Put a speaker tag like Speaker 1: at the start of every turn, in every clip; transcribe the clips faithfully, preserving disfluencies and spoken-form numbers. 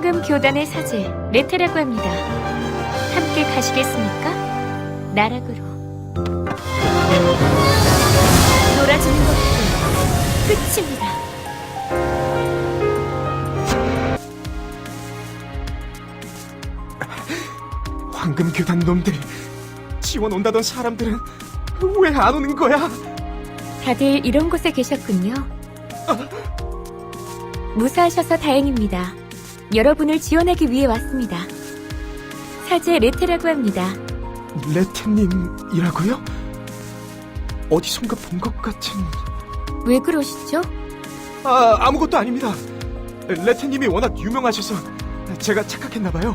Speaker 1: 황금 교단의 사제 레테라고 합니다. 함께 가시겠습니까? 나락으로. 놀아주는 것도 끝입니다.
Speaker 2: 황금교단 놈들, 지원 온다던 사람들은 왜 안 오는 거야?
Speaker 1: 다들 이런 곳에 계셨군요. 무사하셔서 다행입니다. 여러분을 지원하기 위해 왔습니다. 사제 레테라고 합니다.
Speaker 2: 레테님이라고요? 어디선가 본 것 같은...
Speaker 1: 왜 그러시죠?
Speaker 2: 아, 아무것도 아닙니다. 레테님이 워낙 유명하셔서 제가 착각했나봐요.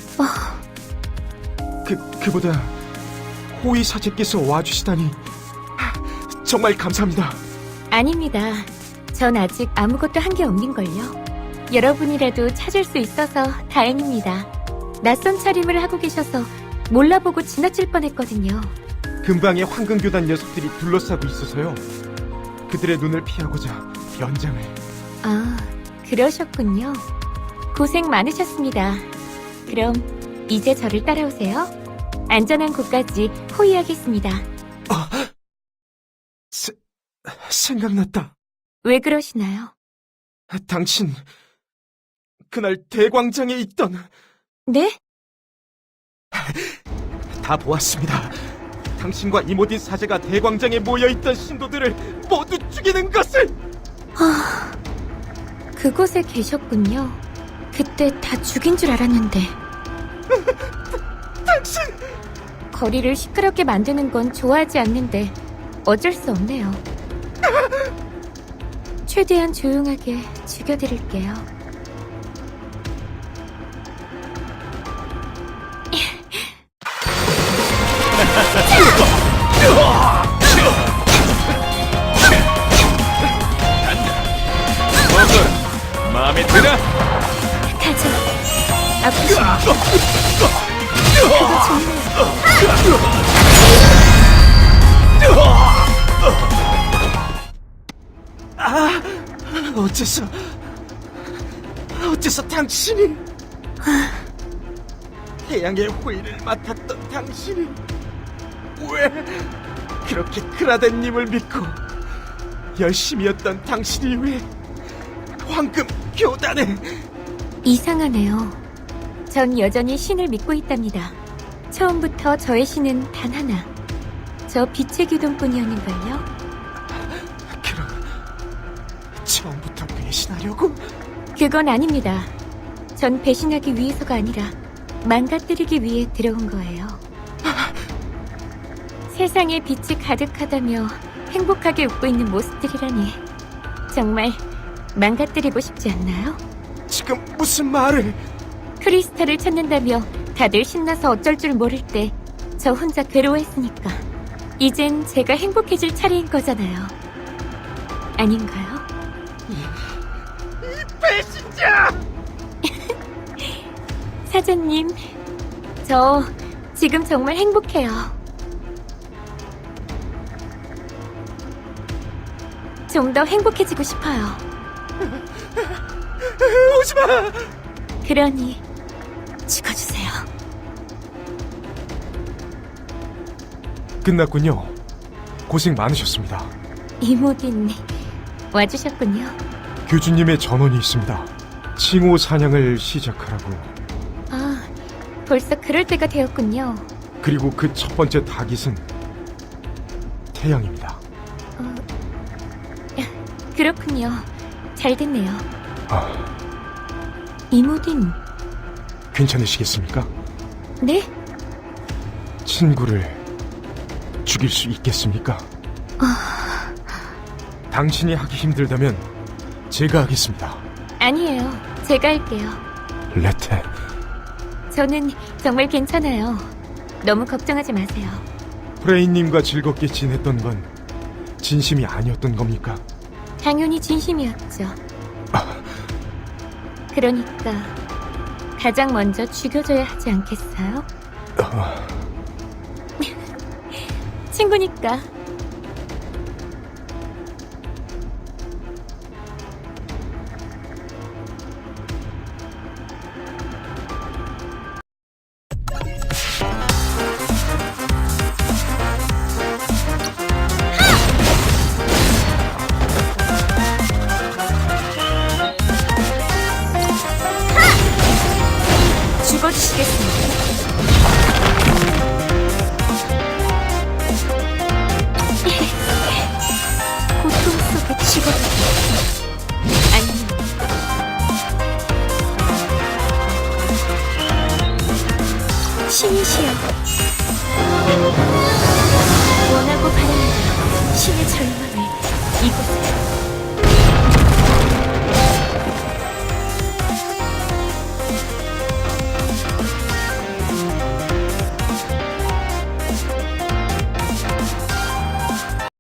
Speaker 2: 그, 그보다 호위 사제께서 와주시다니 정말 감사합니다.
Speaker 1: 아닙니다. 전 아직 아무것도 한 게 없는걸요. 여러분이라도 찾을 수 있어서 다행입니다. 낯선 차림을 하고 계셔서 몰라보고 지나칠 뻔했거든요.
Speaker 2: 근방에 황금교단 녀석들이 둘러싸고 있어서요. 그들의 눈을 피하고자 연장을...
Speaker 1: 아, 그러셨군요. 고생 많으셨습니다. 그럼 이제 저를 따라오세요. 안전한 곳까지 호위하겠습니다.
Speaker 2: 아, 세, 생각났다.
Speaker 1: 왜 그러시나요?
Speaker 2: 당신, 그날 대광장에 있던...
Speaker 1: 네?
Speaker 2: 다 보았습니다. 당신과 이모딘 사제가 대광장에 모여있던 신도들을 모두 죽이는 것을!
Speaker 1: 아, 그곳에 계셨군요. 그때 다 죽인 줄 알았는데.
Speaker 2: 당신!
Speaker 1: 거리를 시끄럽게 만드는 건 좋아하지 않는데 어쩔 수 없네요. 최대한 조용하게 죽여드릴게요.
Speaker 3: 뭐그 마음에 드나?
Speaker 1: 가자. 아프시면 그거 좋네요.
Speaker 2: 아, 어째서... 어째서 당신이... 태양의 호의를 맡았던 당신이... 왜 그렇게 크라덴님을 믿고 열심히였던 당신이 왜 황금 교단에...
Speaker 1: 이상하네요. 전 여전히 신을 믿고 있답니다. 처음부터 저의 신은 단 하나. 저 빛의 기둥뿐이었는걸요.
Speaker 2: 그럼 처음부터 배신하려고?
Speaker 1: 그건 아닙니다. 전 배신하기 위해서가 아니라 망가뜨리기 위해 들어온 거예요. 세상에 빛이 가득하다며 행복하게 웃고 있는 모습들이라니 정말 망가뜨리고 싶지 않나요?
Speaker 2: 지금 무슨 말을...
Speaker 1: 크리스탈을 찾는다며 다들 신나서 어쩔 줄 모를 때 저 혼자 괴로워했으니까 이젠 제가 행복해질 차례인 거잖아요. 아닌가요?
Speaker 2: 배신자!
Speaker 1: 사장님, 저 지금 정말 행복해요. 좀 더 행복해지고 싶어요.
Speaker 2: 오지마!
Speaker 1: 그러니 죽어주세요.
Speaker 2: 끝났군요. 고생 많으셨습니다.
Speaker 1: 이모딘 와주셨군요.
Speaker 2: 교주님의 전원이 있습니다. 칭호 사냥을 시작하라고.
Speaker 1: 아, 벌써 그럴 때가 되었군요.
Speaker 2: 그리고 그 첫 번째 타깃은 태양입니다.
Speaker 1: 어, 그렇군요. 잘 됐네요.
Speaker 2: 아,
Speaker 1: 이모딘,
Speaker 2: 괜찮으시겠습니까?
Speaker 1: 네?
Speaker 2: 친구를 죽일 수 있겠습니까?
Speaker 1: 아,
Speaker 2: 당신이 하기 힘들다면 제가 하겠습니다.
Speaker 1: 아니에요. 제가 할게요.
Speaker 2: 레테,
Speaker 1: 저는 정말 괜찮아요. 너무 걱정하지 마세요.
Speaker 2: 프레인님과 즐겁게 지냈던 건 진심이 아니었던 겁니까?
Speaker 1: 당연히 진심이었죠. 그러니까 가장 먼저 죽여줘야 하지 않겠어요?
Speaker 2: 어,
Speaker 1: 친구니까. 죽어도 안녕. 신이시여, 원하고 바랍니다. 신의 절망을 이곳에